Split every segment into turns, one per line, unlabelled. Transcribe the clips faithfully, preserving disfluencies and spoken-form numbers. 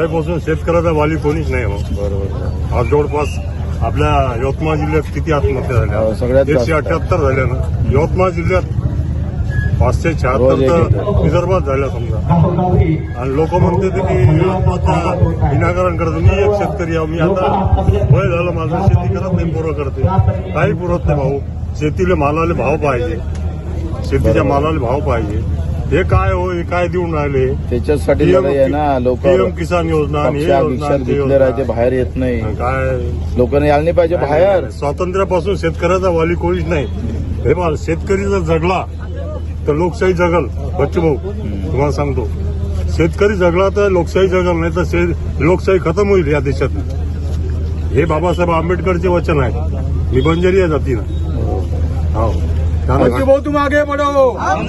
झाल्यापासून शेतकऱ्याचा वाली कोणीच नाही हो.
बरोबर.
आज जवळपास आपल्या यवतमाळ जिल्ह्यात किती आत्महत्या
हो,
झाल्या?
सगळ्यात
एकशे
जास्त.
अठ्याहत्तर झाल्या ना. यवतमाळ जिल्ह्यात पाचशे
रोज
शहात्तर
एक
तर
येतं.
विदर्भात झाल्या समजा. आणि लोक म्हणते ते की आत्महत्या विनाकारण करतो. मी एक शेतकरी आहे, मी आता वय झालं माझं, शेती करत नाही, पोरं करते, काही पुरत नाही भाऊ. शेतीला मालाले भाव पाहिजे, शेतीच्या मालाला भाव पाहिजे. हे काय हो, हे काय देऊन राहिले?
त्याच्यासाठी लढाई आहे ना. लोक
पीएम किसान योजना आणि हे योजना आणि ते
घेतले राहते,
योजना.
बाहेर येत नाही.
काय
लोकांना यायला नाही पाहिजे बाहेर.
स्वातंत्र्यापासून शेतकऱ्याचा वाली कोणीच नाही. हे बघा, शेतकरी जर जगला तर लोकशाही जगल. बच्चू भाऊ तुम्हाला सांगतो, शेतकरी जगला तर लोकशाही जगल, नाही तर शे- लोकशाही खतम होईल या देशात. हे बाबासाहेब आंबेडकरचे वचन आहे. मी बंजारी आहे जातीनं. हो
बच्चू भाऊ तुम आगे बढ़ो.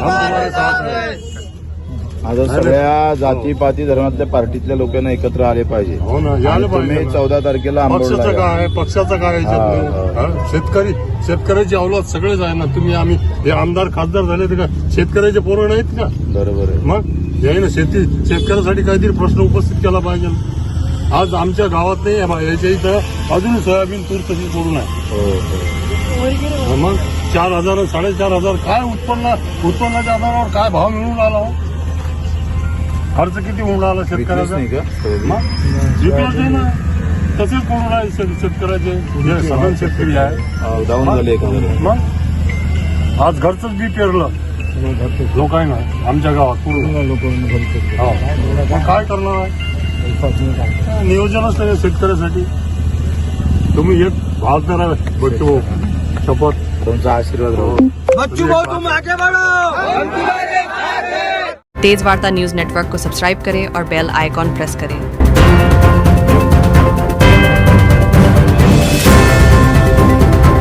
आता सगळ्या जातीपाती धर्मातल्या पार्टीतल्या लोकांना एकत्र आले पाहिजे.
हो ना, यायला
आणि तुम्ही
पाहिजे.
चौदा तारखेला आंबोडला
पक्षाचं
या.
काय, पक्षाचं काय याच्यात?
हा, हा.
हा? शेतकरी शेतकऱ्याची अवलाद सगळेच आहे ना. तुम्ही आम्ही हे आमदार खासदार झाले तर का शेतकऱ्याचे पोरं नाहीत का?
बरोबर आहे.
मग याही ना शेती शेतकऱ्यासाठी काहीतरी प्रश्न उपस्थित केला पाहिजे. आज आमच्या गावात नाही आहे बा, याच्या इथं अजून सोयाबीन तूर तशीच पडून आहे.
हो, हो.
मग चार हजार साडेचार हजार काय उत्पन्न उत्पन्नाच्या आधारावर काय भाव मिळून राहिला हो? खर्च किती होऊन राहिला
विकलीच
शेतकऱ्याचा?
नाही का सोयाबीन?
मग विकलंच आहे ना. तसेच पडून राहिले शेत- शेतकऱ्याचे जे सगळे शेतकरी आहे.
हो, डाऊन झाले एखाद्या.
मग आज घरचंच बी पेरलं लोकांना आमच्या गावात पूर्ण. हो. मग काय करणार आहे? नियोजनच नाही शेतकऱ्यासाठी. तुम्ही एक भागदार आहे बच्चू भाऊ, शपथ.
तुमचा आशीर्वाद राहू.
बच्चू भाऊ तुम आगे बढ़ो.
तेज वार्ता न्यूज नेटवर्क को सब्सक्राइब करें और बेल आइकॉन प्रेस करें।